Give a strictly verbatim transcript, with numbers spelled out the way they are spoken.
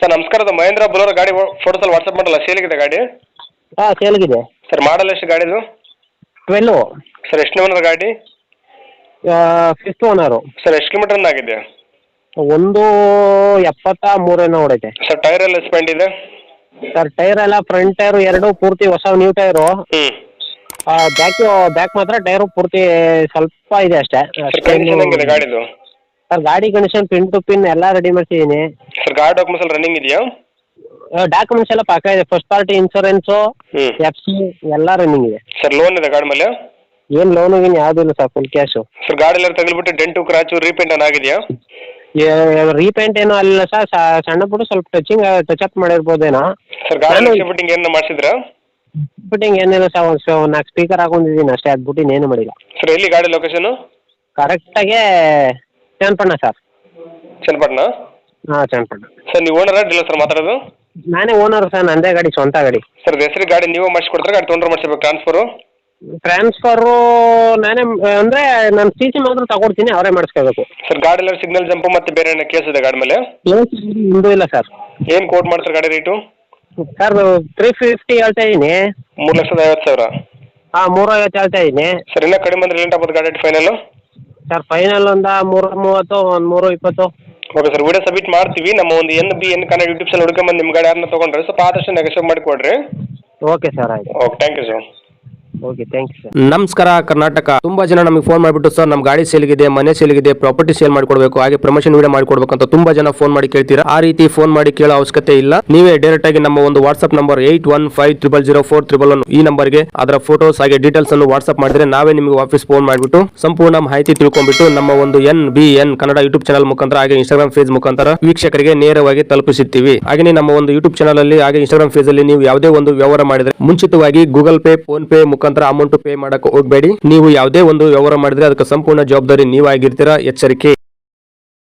Sir ನಮಸ್ಕಾರ, ಅದು ಮಹೇಂದ್ರ ಬೊಲೊರೋ ಗಾಡಿ ಫೋಟೋಸ್ ಅಲ್ಲಿ ವಾಟ್ಸಪ್ ಮಾಡಲ್ಲ, ಸೇಲಿಗಿದೆ ಗಾಡಿ? ಹಾಂ ಸೇಲ್ಗಿದೆ ಸರ್ ಮಾಡಲ್ ಎಷ್ಟು ಗಾಡಿದು? ಟ್ವೆಲ್ಲು. ಸರ್ ಎಷ್ಟು ಓನರ್ ಗಾಡಿ? Fifth owner. ಸರ್ ಎಷ್ಟು ಕಿಲೋಮೀಟರ್ ರನ್ ಆಗಿದೆ? ಒಂದು ಎಪ್ಪತ್ತ ಮೂರೇನೋ ಹೊಡೈತೆ. ಸರ್ ಟೈರ್ ಎಲ್ಲ ಸ್ಪೆಂಡ್ ಇದೆ? ಸರ್ ಟೈರ್ ಎಲ್ಲ ಫ್ರಂಟ್ ಟೈರು ಎರಡು ಪೂರ್ತಿ ಹೊಸ ನ್ಯೂ ಟೈರು. ಹ್ಞೂ. ಬ್ಯಾಕ್ ಬ್ಯಾಕ್ ಮಾತ್ರ ಟೈರು ಪೂರ್ತಿ ಸ್ವಲ್ಪ ಇದೆ ಅಷ್ಟೇ. ಸರ್ ಕಂಡೀಷನ್ ಹೆಂಗಿದೆ ಗಾಡಿದು? ಸರ್ ಗಾಡಿ ಕಂಡೀಷನ್ ಪಿನ್ ಟು ಪಿನ್ ಎಲ್ಲ ರೆಡಿ ಮಾಡಿಸಿದ್ದೀನಿ. ಸರ್ ಗಾಡಿ ಡಾಕ್ಯುಮೆಂಟ್ಸ್ ಎಲ್ಲ ರನ್ನಿಂಗ್ ಇದೆಯಾ? ಡಾಕ್ಯುಮೆಂಟ್ಸ್ ಎಲ್ಲ ಪಕ್ಕ ಇದೆ. ಫಸ್ಟ್ ಪಾರ್ಟಿ ಇನ್ಶೂರೆನ್ಸು, ಹ್ಞೂ, ಎಫ್ ಸಿ ಎಲ್ಲ ರನ್ನಿಂಗ್ ಇದೆ. ಸರ್ ಲೋನ್ ಇದೆ ಗಾಡಿ ಮೇಲೆ? ಏನು ಲೋನು ಗೀನು ಯಾವುದೂ ಇಲ್ಲ ಸರ್, ಫುಲ್ ಕ್ಯಾಶು. ಸರ್ ಗಾಡಿ ಎಲ್ಲ ತಗಲ್ಬಿಟ್ಟು ಡೆಂಟು ಕ್ರಾಚು ರೀಪೇಂಟ್ ಏನು ಆಗಿದೆಯಾ? ರೀಪೇಂಟ್ ಏನೋ ಅಲ್ಲ ಸರ್, ಸಣ್ಣ ಪುಟ್ಟು ಸ್ವಲ್ಪ ಟಚಿಂಗ್ ಟಚ್ ಅಪ್ ಮಾಡಿರ್ಬೋದೇನೋ. ಸರ್ ಗಾಡಿ ಫಿಟ್ಟಿಂಗ್ ಏನು ಮಾಡಿಸಿದ್ರಾ? ಫಿಟ್ಟಿಂಗ್ ಏನಿಲ್ಲ ಸರ್, ಒಂದು ನಾಲ್ಕು ಸ್ಪೀಕರ್ ಹಾಕೊಂಡಿದ್ದೀನಿ ಅಷ್ಟೇ, ಅದು ಬಿಟ್ಟು ಇನ್ನೇನು ಮಾಡಿಲ್ಲ. ಸರ್ ಎಲ್ಲಿ ಗಾಡಿ ಲೊಕೇಶನು? ಕರೆಕ್ಟಾಗಿ ಚನ್ನಪಟ್ಟಣ ಸರ್. ಚನ್ನಪಟ್ಟಣ? ಹಾಂ ಚನ್ನಪಟ್ಟಣ. ಸರ್ ನೀವು ಓನರ ಡೀಲರ್ ಸರ್ ಮಾತಾಡೋದು? ನಾನೇ ಓನರ್ ಸರ್, ನಂದೇ ಗಾಡಿ, ಸ್ವಂತ ಗಾಡಿ. ಸರ್ ಹೆಸರು ಗಾಡಿ ನೀವೇ ಮಾಡಿಸ್ಕೊಡ್ತಾರೆ, ಗಾಡಿ ತೊಗೊಂಡ್ರೆ ಮಾಡಿಸ್ಬೇಕು ಟ್ರಾನ್ಸ್ಫರು? ಟ್ರಾನ್ಸ್ಫರು ನಾನೇ ಅಂದರೆ ನಾನು ಸಿ ಸಿ ಮಾತ್ರ ತಗೊಡ್ತೀನಿ, ಅವರೇ ಮಾಡಿಸ್ಕೋಬೇಕು. ಸರ್ ಗಾಡಿ ಎಲ್ಲ ಸಿಗ್ನಲ್ ಜಂಪು ಮತ್ತು ಬೇರೆ ಏನೋ ಕೇಸ್ ಇದೆ ಗಾಡಿ ಮೇಲೆ? ಇಂದು ಇಲ್ಲ ಸರ್. ಏನು ಕೋಟ್ ಮಾಡ್ತಾರೆ ಗಾಡಿ ರೇಟು? ಸರ್ ತ್ರೀ ಫಿಫ್ಟಿ ಹೇಳ್ತಾ ಇದ್ದೀನಿ. ಮೂರು ಲಕ್ಷದ ಐವತ್ತು ಸಾವಿರ? ಹಾಂ ಮೂರು ಐವತ್ತು ಹೇಳ್ತಾ ಇದ್ದೀನಿ. ಸರ್ ಇನ್ನೂ ಕಡಿಮೆ ಅಂದರೆ ಲೇಟ್ ಆಗ್ಬೋದು ಗಾಡಿ ಫೈನಲ್ಲು? ಸರ್ ಫೈನಲ್ ಒಂದು ಮೂರು ಮೂವತ್ತು, ಒಂದು ಮೂರು ಇಪ್ಪತ್ತು. ಓಕೆ ಸರ್, ವಿಡಿಯೋ ಸಬ್ಮಿಟ್ ಮಾಡ್ತೀವಿ. ನಮ್ಮ ಒಂದು N B N Kannada YouTube channel ಹುಡ್ಕೊಂಬಂದು ನಿಮ್ಮ ಗಾಡಿ ಯಾರನ್ನ ತೊಗೊಂಡ್ರೆ ಸ್ವಲ್ಪ ಆದಷ್ಟು ನೆಗೋಷಿಯೇಟ್ ಮಾಡಿ ಕೊಡ್ರಿ. ಓಕೆ ಸರ್, ಆಯ್ತು. Okay, thank you sir. Okay, thank you sir. ನಮಸ್ಕಾರ ಕರ್ನಾಟಕ. ತುಂಬಾ ಜನ ನಮಗೆ ಫೋನ್ ಮಾಡಿಬಿಟ್ಟು ಸರ್ ನಮ್ಮ ಗಾಡಿ ಸೇಲ್ಗಿದೆ, ಮನೆ ಸೇಲ್ಗಿದೆ, ಪ್ರಾಪರ್ಟಿ ಸೇಲ್ ಮಾಡಿಕೊಡ್ಬೇಕು, ಹಾಗೆ ಪ್ರಮೋಷನ್ ವಿಡಿಯೋ ಮಾಡಿಕೊಡ್ಬೇಕು ಅಂತ ತುಂಬಾ ಜನ ಫೋನ್ ಮಾಡಿ ಕೇಳ್ತೀರಾ. ಆ ರೀತಿ ಫೋನ್ ಮಾಡಿ ಕೇಳೋ ಅವಶ್ಯಕತೆ ಇಲ್ಲ. ನೀವೇ ಡೈರೆಕ್ಟ್ ಆಗಿ ನಮ್ಮ ಒಂದು WhatsApp number eight one five triple zero four triple one ಈ ನಂಬರ್ಗೆ ಅದರ ಫೋಟೋಸ್ ಹಾಗೆ ಡೀಟೇಲ್ಸ್ ಅನ್ನು ವಾಟ್ಸ್ಆಪ್ ಮಾಡಿದ್ರೆ ನಾವೇ ನಿಮಗೆ ವಾಪಸ್ ಫೋನ್ ಮಾಡಿಬಿಟ್ಟು ಸಂಪೂರ್ಣ ಮಾಹಿತಿ ತಿಳ್ಕೊಂಡ್ಬಿಟ್ಟು ನಮ್ಮ ಒಂದು N B N Kannada YouTube channel ಮುಖಾಂತರ ಹಾಗೆ ಇನ್ಸ್ಟಾಗ್ರಾಮ್ ಪೇಜ್ ಮುಖಾಂತರ ವೀಕ್ಷಕರಿಗೆ ನೇರವಾಗಿ ತಲುಪಿಸುತ್ತೀವಿ. ಹಾಗೆ ನಮ್ಮ ಒಂದು ಯೂಟ್ಯೂಬ್ ಚಾನಲ್ ಅಲ್ಲಿ ಹಾಗೆ ಇನ್ಸ್ಟಾಗ್ರಾಮ್ ಪೇಜ್ ಅಲ್ಲಿ ನೀವು ಯಾವುದೇ ಒಂದು ವ್ಯವಹಾರ ಮಾಡಿದ್ರೆ ಮುಂಚಿತವಾಗಿ ಗೂಗಲ್ ಪೇ, ಫೋನ್ ಪೇ ಮುಖಾಂತರ ಅಮೌಂಟ್ ಪೇ ಮಾಡಕ್ಕೆ ಹೋಗಬೇಡಿ. ನೀವು ಯಾವುದೇ ಒಂದು ವ್ಯವಹಾರ ಮಾಡಿದ್ರೆ ಅದಕ್ಕೆ ಸಂಪೂರ್ಣ ಜವಾಬ್ದಾರಿ ನೀವಾಗಿರ್ತೀರಾ. ಎಚ್ಚರಿಕೆ.